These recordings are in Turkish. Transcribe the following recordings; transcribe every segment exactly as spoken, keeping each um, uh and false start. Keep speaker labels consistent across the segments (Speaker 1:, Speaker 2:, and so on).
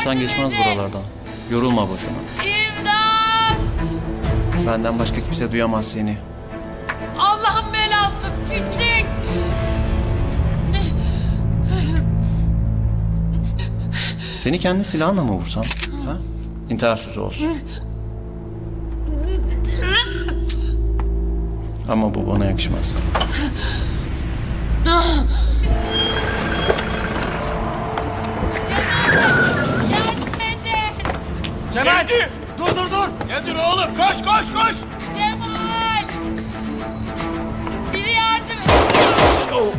Speaker 1: insan geçmez buralardan. Yorulma boşuna.
Speaker 2: İmdat!
Speaker 1: Benden başka kimse duyamaz seni.
Speaker 2: Allah'ın belası pislik!
Speaker 1: Seni kendi silahınla mı vursam? Ha? İntihar sözü olsun. Ama bu bana yakışmaz.
Speaker 2: Yardım edin!
Speaker 3: Cemal! Dur dur dur!
Speaker 4: Ne dur oğlum? Koş koş koş!
Speaker 2: Cemal! Biri yardım edin!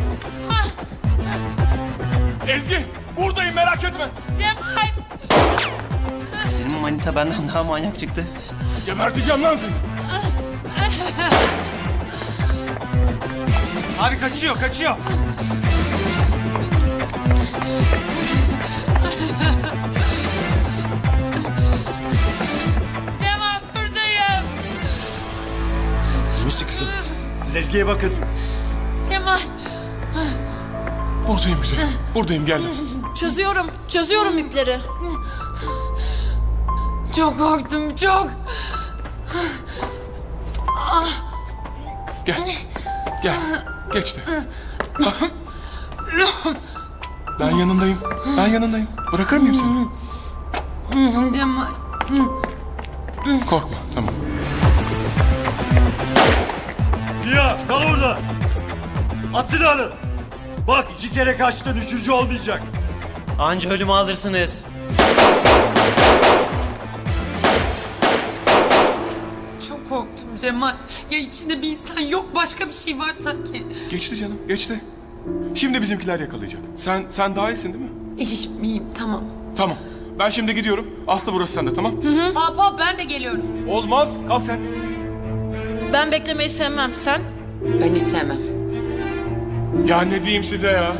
Speaker 4: Ezgi buradayım merak etme.
Speaker 2: Cemal!
Speaker 1: Senin manita benden daha manyak çıktı.
Speaker 4: Geberteceğim lan seni.
Speaker 3: Abi kaçıyor kaçıyor.
Speaker 2: Cemal buradayım!
Speaker 3: İyi misin kızım? Siz Ezgi'ye bakın.
Speaker 2: Cemal!
Speaker 4: Buradayım güzel. Buradayım geldim.
Speaker 5: Çözüyorum, çözüyorum ipleri.
Speaker 2: Çok korktum çok!
Speaker 4: Gel. Gel. Geç de. Ah. Ben yanındayım. Ben yanındayım. Bırakır mıyım seni?
Speaker 2: Cemal!
Speaker 4: Korkma tamam.
Speaker 3: Ziya kal orada. At silahını. Bak iki kere kaçtın üçüncü olmayacak.
Speaker 1: Anca ölümü alırsınız.
Speaker 2: Çok korktum Cemal. Ya içinde bir insan yok başka bir şey var sanki.
Speaker 4: Geçti canım geçti. Şimdi bizimkiler yakalayacak. Sen sen daha iyisin değil mi?
Speaker 2: İyiyim iyiyim tamam.
Speaker 4: Tamam. Ben şimdi gidiyorum. Aslı burası sende tamam?
Speaker 2: Hop hop ben de geliyorum.
Speaker 4: Olmaz. Kal sen.
Speaker 5: Ben beklemeyi sevmem. Sen?
Speaker 2: Ben hiç sevmem.
Speaker 4: Ya ne diyeyim size ya?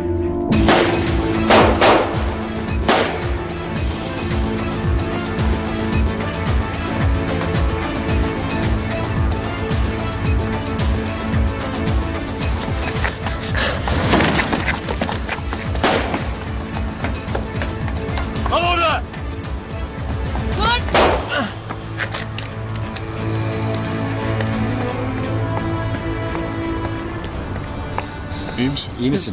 Speaker 3: Kal orada.
Speaker 2: Dur!
Speaker 4: İyi misin?
Speaker 3: İyi misin?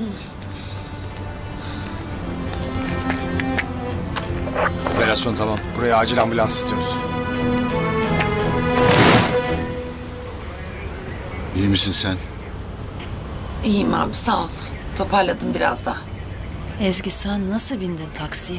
Speaker 3: Operasyon tamam. Buraya acil ambulans istiyoruz.
Speaker 6: İyi misin sen?
Speaker 2: İyiyim abi sağ ol. Toparladım biraz daha.
Speaker 7: Ezgi sen nasıl bindin taksiye?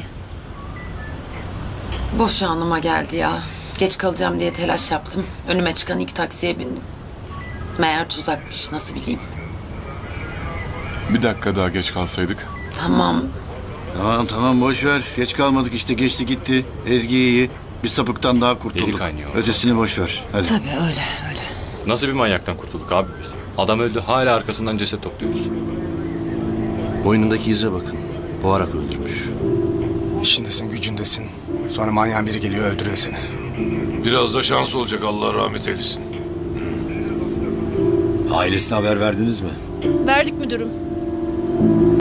Speaker 2: Boş anıma geldi ya. Geç kalacağım diye telaş yaptım. Önüme çıkan ilk taksiye bindim. Meğer tuzakmış nasıl bileyim.
Speaker 4: Bir dakika daha geç kalsaydık.
Speaker 2: Tamam.
Speaker 6: Tamam tamam boş ver. Geç kalmadık işte geçti gitti. Ezgi iyi. Bir sapıktan daha kurtulduk.
Speaker 8: Eli kaynıyor.
Speaker 6: Ötesini boş ver. Hadi.
Speaker 7: Tabii öyle öyle.
Speaker 8: Nasıl bir manyaktan kurtulduk abi biz? Adam öldü hala arkasından ceset topluyoruz.
Speaker 6: Boynundaki ize bakın. Boğarak öldürmüş.
Speaker 3: İşindesin gücündesin. Sonra manyağın biri geliyor öldürüyor seni.
Speaker 9: Biraz da şans olacak, Allah rahmet eylesin.
Speaker 6: Ailesine haber verdiniz mi?
Speaker 5: Verdik müdürüm.